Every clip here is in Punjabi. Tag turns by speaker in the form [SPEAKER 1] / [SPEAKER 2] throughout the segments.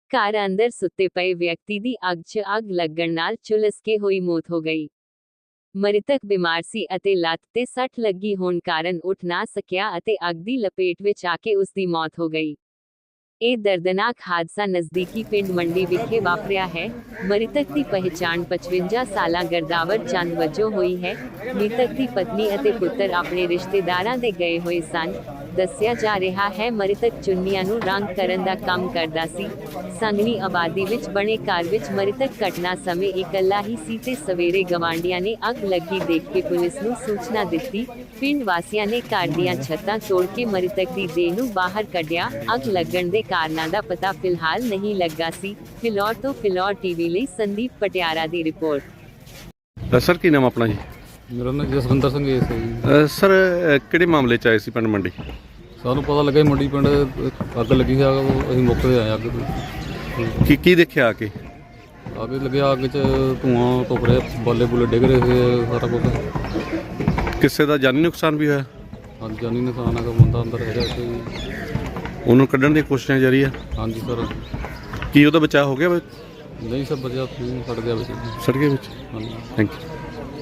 [SPEAKER 1] ਘਰ ਅੰਦਰ ਸੁੱਤੇ ਪਏ ਵਿਅਕਤੀ ਦੀ ਅੱਗ 'ਚ ਅੱਗ ਲੱਗਣ ਨਾਲ ਝੁਲਸ ਕੇ ਹੋਈ ਮੌਤ ਹੋ ਗਈ। ਮ੍ਰਿਤਕ ਬਿਮਾਰ ਸੀ ਅਤੇ ਲੱਤ ਤੇ ਸੱਟ ਲੱਗੀ ਹੋਣ ਕਾਰਨ ਉੱਠ ਨਾ ਸਕਿਆ ਅਤੇ ਅੱਗ ਦੀ ਲਪੇਟ ਵਿੱਚ ਆ ਕੇ ਉਸ ਦੀ ਮੌਤ ਹੋ ਗਈ। ਇਹ ਦਰਦਨਾਕ ਹਾਦਸਾ ਨਜ਼ਦੀਕੀ ਪਿੰਡ ਮੰਡੀ ਵਿਖੇ ਵਾਪਰਿਆ ਹੈ। ਮ੍ਰਿਤਕ ਦੀ ਪਹਿਚਾਣ 55 ਸਾਲਾ ਗਰਦਾਵਰ ਚੰਦ ਵਜੋਂ ਹੋਈ ਹੈ। ਮ੍ਰਿਤਕ ਦੀ ਪਤਨੀ ਅਤੇ ਪੁੱਤਰ ਆਪਣੇ ਰਿਸ਼ਤੇਦਾਰਾਂ ਦੇ ਗਏ ਹੋਏ ਸਨ। ਦੱਸਿਆ ਜਾ ਰਿਹਾ ਹੈ ਮ੍ਰਿਤਕ ਚੁੰਨੀਆਂ ਨੂੰ ਰੰਗ ਕਰਨ ਦਾ ਕੰਮ ਕਰਦਾ ਸੀ। ਸੰਘਣੀ ਆਬਾਦੀ ਵਿੱਚ ਬਣੇ ਘਰ ਵਿੱਚ ਮ੍ਰਿਤਕ ਘਟਨਾ ਸਮੇਂ ਇਕੱਲਾ ਹੀ ਸੀ ਤੇ ਸਵੇਰੇ ਗਵਾਂਢੀਆਂ ਨੇ ਅੱਗ ਲੱਗੀ ਦੇਖ ਕੇ ਪੁਲਿਸ ਨੂੰ ਸੂਚਨਾ ਦਿੱਤੀ। ਪਿੰਡ ਵਾਸੀਆਂ ਨੇ ਘਰ ਦੀਆਂ ਛੱਤਾਂ ਤੋੜ ਕੇ ਮ੍ਰਿਤਕ ਦੀ ਦੇਹ ਨੂੰ ਬਾਹਰ ਕੱਢਿਆ। ਅੱਗ ਲੱਗਣ ਦੇ ਕਾਰਨਾਂ ਦਾ ਪਤਾ ਫਿਲਹਾਲ ਨਹੀਂ ਲੱਗਾ ਸੀ। ਫਿਲੌਰ ਤੋਂ ਫਿਲੌਰ ਟੀਵੀ ਲਈ ਸੰਦੀਪ ਪਟਿਆਲਾ ਦੀ ਰਿਪੋਰਟ।
[SPEAKER 2] ਸਰ ਕੀ ਨਾਮ ਆਪਣਾ ਜੀ?
[SPEAKER 3] ਮੇਰਾ ਨਾਮ ਜਸਵਿੰਦਰ ਸਿੰਘ ਹੈ ਜੀ।
[SPEAKER 2] ਸਰ ਕਿਹੜੇ ਮਾਮਲੇ 'ਚ ਆਏ ਸੀ ਪਿੰਡ ਮੰਡੀ?
[SPEAKER 3] ਸਾਨੂੰ ਪਤਾ ਲੱਗਾ ਮੰਡੀ ਪਿੰਡ ਅੱਗ ਲੱਗੀ ਸੀ। ਅਸੀਂ ਮੌਕੇ 'ਤੇ ਆਏ ਅੱਗ ਤੇ।
[SPEAKER 2] ਕੀ ਦੇਖਿਆ ਆ ਕੇ?
[SPEAKER 3] ਅੱਗ ਲੱਗਿਆ, ਅੱਗ 'ਚ ਧੂੰਆਂ ਧੁੱਪ ਰਿਹਾ, ਬਾਲੇ ਬੁਲੇ ਡਿੱਗ ਰਹੇ ਸੀ, ਸਾਰਾ ਕੁਛ।
[SPEAKER 2] ਕਿਸੇ ਦਾ ਜਾਨੀ ਨੁਕਸਾਨ ਵੀ ਹੋਇਆ?
[SPEAKER 3] ਹਾਂਜੀ, ਜਾਨੀ ਨੁਕਸਾਨ ਹੈਗਾ, ਬੰਦਾ ਅੰਦਰ ਹੈਗਾ ਸੀ।
[SPEAKER 2] ਉਹਨੂੰ ਕੱਢਣ ਦੀਆਂ ਕੋਸ਼ਿਸ਼ਾਂ ਜਾਰੀ ਆ?
[SPEAKER 3] ਹਾਂਜੀ ਸਰ।
[SPEAKER 2] ਕੀ ਉਹਦਾ ਬਚਾਅ ਹੋ ਗਿਆ?
[SPEAKER 3] ਨਹੀਂ ਸਰ, ਬਚਿਆ ਸੜ ਗਿਆ ਵਿੱਚ।
[SPEAKER 2] ਸੜ ਗਿਆ ਵਿੱਚ?
[SPEAKER 3] ਹਾਂਜੀ।
[SPEAKER 2] Thank you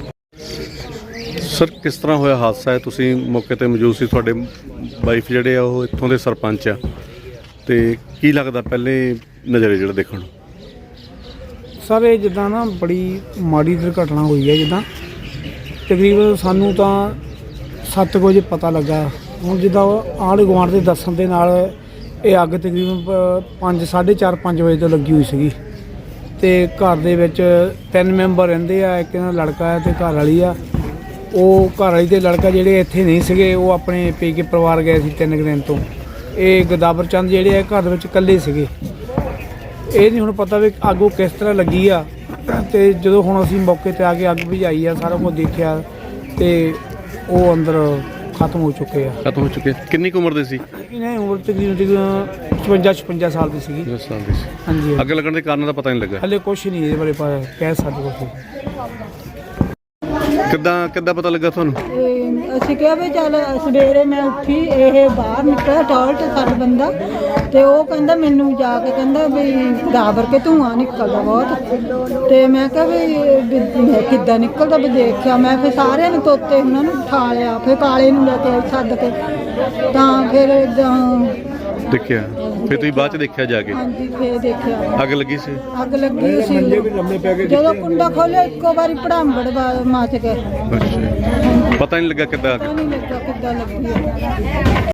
[SPEAKER 2] sir. ਕਿਸ ਤਰ੍ਹਾਂ ਹੋਇਆ ਹਾਦਸਾ ਹੈ? ਤੁਸੀਂ ਮੌਕੇ 'ਤੇ ਮੌਜੂਦ ਸੀ, ਤੁਹਾਡੇ ਵਾਈਫ ਜਿਹੜੇ ਆ ਉਹ ਇੱਥੋਂ ਦੇ ਸਰਪੰਚ ਆ, ਤੇ ਕੀ ਲੱਗਦਾ ਪਹਿਲੇ ਨਜ਼ਰੇ ਜਿਹੜਾ ਦੇਖਣ ਨੂੰ?
[SPEAKER 4] ਸਰ ਇਹ ਜਿੱਦਾਂ ਨਾ ਬੜੀ ਮਾੜੀ ਦੁਰਘਟਨਾ ਹੋਈ ਹੈ। ਜਿੱਦਾਂ ਤਕਰੀਬਨ ਸਾਨੂੰ ਤਾਂ 7 ਵਜੇ ਪਤਾ ਲੱਗਾ। ਹੁਣ ਜਿੱਦਾਂ ਆਂਢ ਗੁਆਂਢ ਦੇ ਦੱਸਣ ਦੇ ਨਾਲ ਇਹ ਅੱਗ ਤਕਰੀਬਨ 4:30 ਵਜੇ ਤੋਂ ਲੱਗੀ ਹੋਈ ਸੀਗੀ। ਤੇ ਘਰ ਦੇ ਵਿੱਚ 3 ਮੈਂਬਰ ਰਹਿੰਦੇ ਆ। ਇੱਕ ਇਹਨਾਂ ਦਾ ਲੜਕਾ ਹੈ ਤੇ ਘਰ ਵਾਲੀ ਆ। ਉਹ ਘਰ ਵਾਲੀ ਤੇ ਲੜਕਾ ਜਿਹੜੇ ਇੱਥੇ ਨਹੀਂ ਸੀਗੇ, ਉਹ ਆਪਣੇ ਪੇਕੇ ਪਰਿਵਾਰ ਗਏ ਸੀ 3 ਦਿਨ ਤੋਂ। ਇਹ ਗਦਾਵਰ ਚੰਦ ਜਿਹੜੇ ਆ ਘਰ ਦੇ ਵਿੱਚ ਇਕੱਲੇ ਸੀਗੇ। ਇਹ ਨਹੀਂ ਹੁਣ ਪਤਾ ਵੀ ਅੱਗ ਉਹ ਕਿਸ ਤਰ੍ਹਾਂ ਲੱਗੀ ਆ। ਤੇ ਜਦੋਂ ਹੁਣ ਅਸੀਂ ਮੌਕੇ 'ਤੇ ਆ ਕੇ ਅੱਗ ਬੁਝਾਈ ਆ, ਸਾਰਾ ਕੁਝ ਦੇਖਿਆ ਤੇ ਉਹ ਅੰਦਰ ਖਤਮ ਹੋ ਚੁੱਕੇ ਆ।
[SPEAKER 2] ਖਤਮ ਹੋ ਚੁੱਕੇ? ਕਿੰਨੀ ਕੁ ਉਮਰ ਦੇ ਸੀ?
[SPEAKER 4] ਇਹਨਾਂ ਦੀ ਉਮਰ ਤਕਰੀਬਨ 56 ਸਾਲ ਦੀ ਸੀਗੀ।
[SPEAKER 2] 10 ਸਾਲ ਦੀ ਸੀ।
[SPEAKER 4] ਹਾਂਜੀ।
[SPEAKER 2] ਅੱਗ ਲੱਗਣ ਦੇ ਕਾਰਨ ਦਾ ਪਤਾ ਨਹੀਂ ਲੱਗਾ
[SPEAKER 4] ਹਲੇ ਕੁਛ ਨਹੀਂ ਇਹਦੇ ਬਾਰੇ ਕਹਿ ਸਕਦੇ ਕੁਛ।
[SPEAKER 2] ਕਿੱਦਾਂ ਪਤਾ ਲੱਗਾ ਤੁਹਾਨੂੰ?
[SPEAKER 5] ਅਸੀਂ ਕਿਹਾ ਵੀ ਚੱਲ ਸਵੇਰੇ ਮੈਂ ਉੱਠੀ, ਇਹ ਬਾਹਰ ਨਿਕਲਿਆ ਟਾਇਲਟ ਸਾਡਾ ਬੰਦਾ, ਤੇ ਉਹ ਕਹਿੰਦਾ ਮੈਨੂੰ ਜਾ ਕੇ ਕਹਿੰਦਾ ਵੀ ਗਾਬਰ ਕੇ ਧੂੰਆਂ ਨਿਕਲਦਾ ਬਹੁਤ। ਤੇ ਮੈਂ ਕਿਹਾ ਵੀ ਕਿੱਦਾਂ ਨਿਕਲਦਾ, ਵੀ ਦੇਖਿਆ ਮੈਂ। ਫਿਰ ਸਾਰਿਆਂ ਨੇ ਤੋਤੇ ਉਹਨਾਂ ਨੂੰ ਉਠਾ ਲਿਆ, ਫਿਰ ਕਾਲੇ ਨੂੰ ਲੈ ਕੇ ਸੱਦ ਕੇ ਤਾਂ ਫਿਰ
[SPEAKER 2] ਦੇਖਿਆ। ਫਿਰ ਤੁਸੀਂ ਬਾਅਦ 'ਚ ਦੇਖਿਆ ਜਾ ਕੇ?
[SPEAKER 5] ਹਾਂਜੀ, ਫਿਰ ਦੇਖਿਆ
[SPEAKER 2] ਅੱਗ ਲੱਗੀ ਸੀ।
[SPEAKER 5] ਅੱਗ ਲੱਗੀ ਸੀ। ਜਦੋਂ ਕੁੰਡਾ ਖੋਲਿਆ ਇੱਕੋ ਵਾਰੀ ਭੜਾਂਬੜ ਮੱਚ ਗਏ।
[SPEAKER 2] ਪਤਾ ਨਹੀਂ ਲੱਗਾ ਕਿੱਦਾਂ ਅੱਗ?
[SPEAKER 5] ਪਤਾ ਨਹੀਂ ਲੱਗਾ ਕਿੱਦਾਂ ਲੱਗੀ।